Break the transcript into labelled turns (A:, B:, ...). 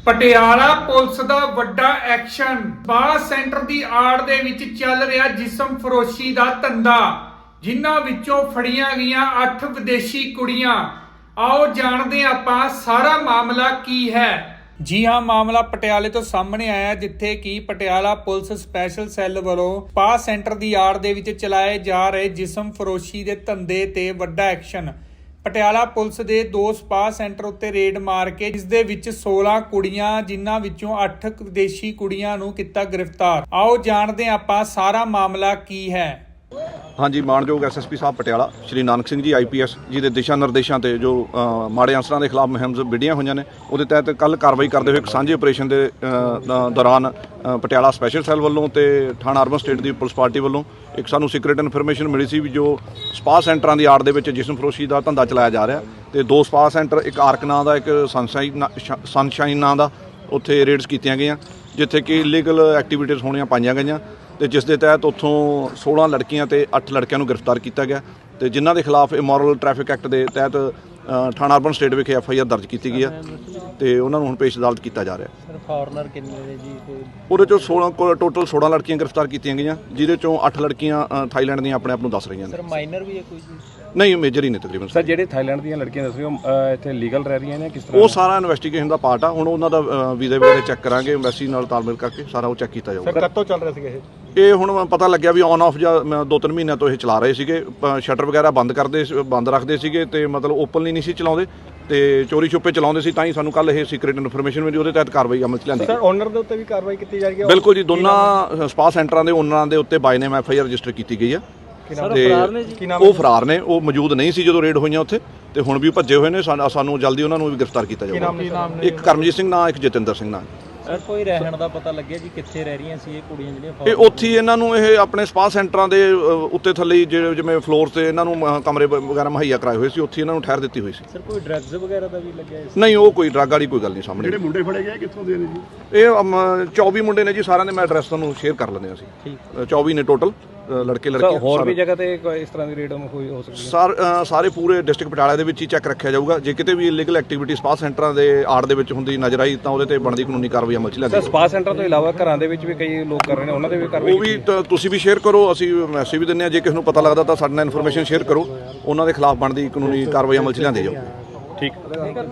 A: Patiala police ਦਾ ਵੱਡਾ action. Spa centre ਦੀ ਆੜ ਦੇ ਵਿੱਚ ਚੱਲ ਰਿਹਾ ਜਿਸਮ ਫਰੋਸ਼ੀ ਦਾ ਧੰਦਾ, ਜਿਨ੍ਹਾਂ ਵਿੱਚੋਂ ਫੜੀਆਂ ਗਈਆਂ 8 ਵਿਦੇਸ਼ੀ ਕੁੜੀਆਂ। ਆਓ ਜਾਣਦੇ ਆਪਾਂ ਸਾਰਾ ਮਾਮਲਾ ਕੀ ਹੈ। ਜੀ ਹਾਂ, ਮਾਮਲਾ ਪਟਿਆਲੇ ਤੋਂ ਸਾਹਮਣੇ ਆਇਆ, ਜਿੱਥੇ ਕਿ ਪਟਿਆਲਾ ਪੁਲਿਸ ਸਪੈਸ਼ਲ ਸੈੱਲ ਵੱਲੋਂ ਸਪਾ ਸੈਂਟਰ ਦੀ ਆੜ ਦੇ ਵਿੱਚ ਚਲਾਏ ਜਾ ਰਹੇ ਜਿਸਮ ਫਰੋਸ਼ੀ ਦੇ ਧੰਦੇ ਤੇ ਵੱਡਾ ਐਕਸ਼ਨ। ਪਟਿਆਲਾ ਪੁਲਿਸ ਦੇ 2 ਸਪਾ ਸੈਂਟਰ ਉੱਤੇ ਰੇਡ ਮਾਰ ਕੇ ਇਸ ਦੇ ਵਿੱਚ 16 ਕੁੜੀਆਂ, ਜਿਨ੍ਹਾਂ ਵਿੱਚੋਂ 8 ਵਿਦੇਸ਼ੀ ਕੁੜੀਆਂ ਨੂੰ ਕੀਤਾ ਗ੍ਰਿਫਤਾਰ। ਆਓ ਜਾਣਦੇ ਹਾਂ ਆਪਾਂ ਸਾਰਾ ਮਾਮਲਾ ਕੀ ਹੈ।
B: ਹਾਂਜੀ, ਮਾਣਯੋਗ ਐਸਐਸਪੀ ਸਾਹਿਬ ਪਟਿਆਲਾ ਸ਼੍ਰੀ ਨਾਨਕ ਸਿੰਘ ਜੀ ਆਈਪੀਐਸ ਜੀ ਦੇ ਦਿਸ਼ਾ ਨਿਰਦੇਸ਼ਾਂ ਤੇ ਜੋ ਮਾੜੇ ਅਨਸਰਾਂ ਦੇ ਖਿਲਾਫ ਮੁਹਿੰਮ ਵਿੱਢੀਆਂ ਹੋਈਆਂ ਨੇ, ਉਹਦੇ ਤਹਿਤ ਕੱਲ੍ਹ ਕਾਰਵਾਈ ਕਰਦੇ ਹੋਏ ਇੱਕ ਸਾਂਝੇ ਆਪਰੇਸ਼ਨ ਦੇ ਦੌਰਾਨ ਪਟਿਆਲਾ ਸਪੈਸ਼ਲ ਸੈੱਲ ਵੱਲੋਂ ਤੇ ਥਾਣਾ ਅਰਬਨ ਸਟੇਟ ਦੀ ਪੁਲਿਸ ਪਾਰਟੀ ਵੱਲੋਂ ਇੱਕ ਸਾਨੂੰ ਸੀਕ੍ਰੇਟ ਇਨਫੋਰਮੇਸ਼ਨ ਮਿਲੀ ਸੀ ਵੀ ਜੋ ਸਪਾ ਸੈਂਟਰਾਂ ਦੀ ਆੜ ਦੇ ਵਿੱਚ ਜਿਸਮ ਫਰੋਸ਼ੀ ਦਾ ਧੰਦਾ ਚਲਾਇਆ ਜਾ ਰਿਹਾ, ਤੇ 2 ਸਪਾ ਸੈਂਟਰ, ਇੱਕ ਆਰਕ ਨਾਂ ਦਾ, ਇੱਕ ਸਨਸ਼ਾਈਨ ਨਾਂ ਦਾ, ਉੱਥੇ ਰੇਡਸ ਕੀਤੀਆਂ ਗਈਆਂ, ਜਿੱਥੇ ਕਿ ਇਲੀਗਲ ਐਕਟੀਵਿਟੀਜ਼ ਹੋਣੀਆਂ ਪਾਈਆਂ ਗਈਆਂ, ਤੇ ਜਿਸ ਦੇ ਤਹਿਤ ਉੱਥੋਂ 16 ਲੜਕੀਆਂ ਤੇ 8 ਲੜਕਿਆਂ ਨੂੰ ਗ੍ਰਿਫਤਾਰ ਕੀਤਾ ਗਿਆ, ਤੇ ਜਿਨ੍ਹਾਂ ਦੇ ਖਿਲਾਫ ਇਮੋਰਲ ਟ੍ਰੈਫਿਕ ਐਕਟ ਦੇ ਤਹਿਤ ਥਾਣਾ ਅਰਬਨ ਸਟੇਟ ਵਿਖੇ FIR ਦਰਜ ਕੀਤੀ ਗਈ ਹੈ, ਤੇ ਉਹਨਾਂ ਨੂੰ ਹੁਣ ਪੇਸ਼ ਅਦਾਲਤ ਕੀਤਾ ਜਾ ਰਿਹਾ।
C: ਸਰ, ਫੋਰਨਰ ਕਿੰਨੇ ਨੇ ਜੀ?
B: ਉਹਦੇ ਚੋਂ ਟੋਟਲ 16 ਲੜਕੀਆਂ ਗ੍ਰਿਫਤਾਰ ਕੀਤੀਆਂ ਗਈਆਂ, ਜਿਹਦੇ ਚੋਂ 8 ਲੜਕੀਆਂ ਥਾਈਲੈਂਡ ਦੀਆਂ ਆਪਣੇ ਆਪ ਨੂੰ ਦੱਸ ਰਹੀਆਂ ਨੇ।
C: ਸਰ, ਮਾਈਨਰ ਵੀ ਹੈ ਕੋਈ ਜੀ?
B: ਨਹੀਂ, ਮੇਜਰ ਹੀ ਨੇ ਤਕਰੀਬਨ।
D: ਸਰ, ਜਿਹੜੇ ਥਾਈਲੈਂਡ ਦੀਆਂ ਲੜਕੀਆਂ ਦੱਸ ਰਹੇ ਹੋ ਇੱਥੇ ਲੀਗਲ ਰਹਿ ਰਹੀਆਂ ਨੇ, ਕਿਸ ਤਰ੍ਹਾਂ?
B: ਉਹ ਸਾਰਾ ਇਨਵੈਸਟੀਗੇਸ਼ਨ ਦਾ ਪਾਰਟ ਆ। ਹੁਣ ਉਹਨਾਂ ਦਾ ਵੀਜ਼ੇ ਵਗੈਰਾ ਚੈੱਕ ਕਰਾਂਗੇ, ਐਮਬੈਸੀ ਨਾਲ ਤਾਲਮੇਲ ਕਰਕੇ ਸਾਰਾ ਉਹ ਚੈੱਕ ਕੀਤਾ ਜਾਊਗਾ।
D: ਸਰ, ਕਦੋਂ ਚੱਲ ਰਿਹਾ ਸੀਗਾ
B: ਇਹ ਹੁਣ ਪਤਾ ਲੱਗਿਆ ਵੀ ਔਨ ਆਫ ਜਾਂ 2-3 ਮਹੀਨਿਆਂ ਤੋਂ ਇਹ ਚਲਾ ਰਹੇ ਸੀਗੇ। ਸ਼ਟਰ ਵਗੈਰਾ ਬੰਦ ਰੱਖਦੇ ਸੀਗੇ, ਤੇ ਮਤਲਬ ਓਪਨਲੀ ਨਹੀਂ ਸੀ ਚਲਾਉਂਦੇ, ਤੇ ਚੋਰੀ ਛੁਪੇ ਚਲਾਉਂਦੇ ਸੀ। ਤਾਂ ਹੀ ਸਾਨੂੰ ਕੱਲ ਇਹ ਸੀਕ੍ਰੇਟ ਇਨਫੋਰਮੇਸ਼ਨ ਮਿਲੀ, ਉਹਦੇ ਤਹਿਤ ਕਾਰਵਾਈ ਅਮਲ 'ਚ ਲਿਆਂਦੀ।
D: ਸਰ, ਓਨਰ ਦੇ ਉੱਤੇ ਵੀ ਕਾਰਵਾਈ ਕੀਤੀ ਜਾ ਰਹੀ ਹੈ?
B: ਬਿਲਕੁਲ ਜੀ, ਦੋਨਾਂ ਸਪਾ ਸੈਂਟਰਾਂ ਦੇ ਓਨਰਾਂ ਦੇ ਉੱਤੇ ਬਾਈ ਨੇਮ FIR ਰਜਿਸਟਰ ਕੀਤੀ ਗਈ ਆ। ਉਹ ਫਰਾਰ ਨੇ, ਉਹ ਮੌਜੂਦ ਨਹੀਂ ਸੀ ਜਦੋਂ ਰੇਡ ਹੋਈਆਂ ਉੱਥੇ, ਤੇ ਹੁਣ ਵੀ ਭੱਜੇ ਹੋਏ ਨੇ। ਸਾਨੂੰ ਜਲਦੀ ਉਹਨਾਂ ਨੂੰ ਵੀ ਗ੍ਰਿਫਤਾਰ ਕੀਤਾ ਜਾਊਗਾ। ਇੱਕ ਕਰਮਜੀਤ ਸਿੰਘ ਨਾਂ, ਇੱਕ ਜਤਿੰਦਰ ਸਿੰਘ ਨਾਂ।
C: ਸਰ, ਕੋਈ ਰਹਿਣ ਦਾ ਪਤਾ ਲੱਗਿਆ ਜੀ ਕਿੱਥੇ ਰਹਿ ਰਹੀਆਂ ਸੀ ਇਹ ਕੁੜੀਆਂ ਜਿਹੜੀਆਂ?
B: ਇਹ ਉੱਥੇ ਹੀ ਇਹਨਾਂ ਨੂੰ ਇਹ ਆਪਣੇ ਸਪਾ ਸੈਂਟਰਾਂ ਦੇ ਉੱਤੇ ਥੱਲੇ ਜਿਵੇਂ ਫਲੋਰ ਤੇ ਇਹਨਾਂ ਨੂੰ ਕਮਰੇ ਵਗੈਰਾ ਮੁਹੱਈਆ ਕਰਾਏ ਹੋਏ ਸੀ, ਉੱਥੇ ਇਹਨਾਂ ਨੂੰ ਠਹਿਰ ਦਿੱਤੀ ਹੋਈ ਸੀ।
C: ਸਰ, ਕੋਈ ਡਰੱਗਸ ਵਗੈਰਾ ਦਾ ਵੀ ਲੱਗਿਆ?
B: ਨਹੀਂ, ਉਹ ਕੋਈ ਡਰੱਗ ਵਾਲੀ ਕੋਈ ਗੱਲ ਨਹੀਂ ਸਾਹਮਣੇ।
D: ਜਿਹੜੇ ਮੁੰਡੇ ਫੜੇ ਗਏ ਕਿੱਥੋਂ ਦੇ ਨੇ ਜੀ?
B: ਇਹ 24 ਮੁੰਡੇ ਨੇ ਜੀ, ਸਾਰਿਆਂ ਦੇ ਮੈਂ ਐਡਰੈਸ ਤੁਹਾਨੂੰ ਸ਼ੇਅਰ ਕਰ ਲੈਂਦੇ ਅਸੀਂ।
C: ਠੀਕ,
B: 24 ਨੇ ਟੋਟਲ ਲੜਕੇ ਲੜਕੀਆਂ।
D: ਹੋਰ ਵੀ ਜਗ੍ਹਾ ਤੇ ਇਸ ਤਰ੍ਹਾਂ ਦੀ ਰੇਡ ਹੋ ਸਕਦੀ ਹੈ?
B: ਸਾਰੇ ਪੂਰੇ ਡਿਸਟ੍ਰਿਕਟ ਪਟਿਆਲਾ ਦੇ ਵਿੱਚ ਹੀ ਚੈੱਕ ਰੱਖਿਆ ਜਾਊਗਾ। ਜੇ ਕਿਤੇ ਵੀ ਇਲੀਗਲ ਐਕਟੀਵਿਟੀ ਸਪਾ ਸੈਂਟਰਾਂ ਦੇ ਆੜ ਦੇ ਵਿੱਚ ਹੁੰਦੀ ਨਜ਼ਰ ਆਈ, ਤਾਂ ਉਹਦੇ ਤੇ ਬਣਦੀ ਕਾਨੂੰਨੀ ਕਾਰਵਾਈ ਅਮਲ 'ਚ ਲਿਆਂਦੀ।
D: ਸਰ, ਸਪਾ ਸੈਂਟਰ ਤੋਂ ਇਲਾਵਾ ਘਰਾਂ ਦੇ ਵਿੱਚ ਵੀ ਕਈ ਲੋਕ ਕਰ ਰਹੇ ਨੇ, ਉਹਨਾਂ ਦੇ ਵੀ ਕਾਰਵਾਈ?
B: ਉਹ ਵੀ ਤੁਸੀਂ ਵੀ ਸ਼ੇਅਰ ਕਰੋ, ਅਸੀਂ ਮੈਸੇਜ ਵੀ ਦਿੰਦੇ ਹਾਂ। ਜੇ ਕਿਸੇ ਨੂੰ ਪਤਾ ਲੱਗਦਾ ਤਾਂ ਸਾਡੇ ਨਾਲ ਇਨਫੋਰਮੇਸ਼ਨ ਸ਼ੇਅਰ ਕਰੋ, ਉਹਨਾਂ ਦੇ ਖਿਲਾਫ ਬਣਦੀ ਕਾਨੂੰਨੀ ਕਾਰਵਾਈ ਅਮਲ 'ਚ ਲਿਆਂਦੀ ਜਾਊ।
D: ਠੀਕ।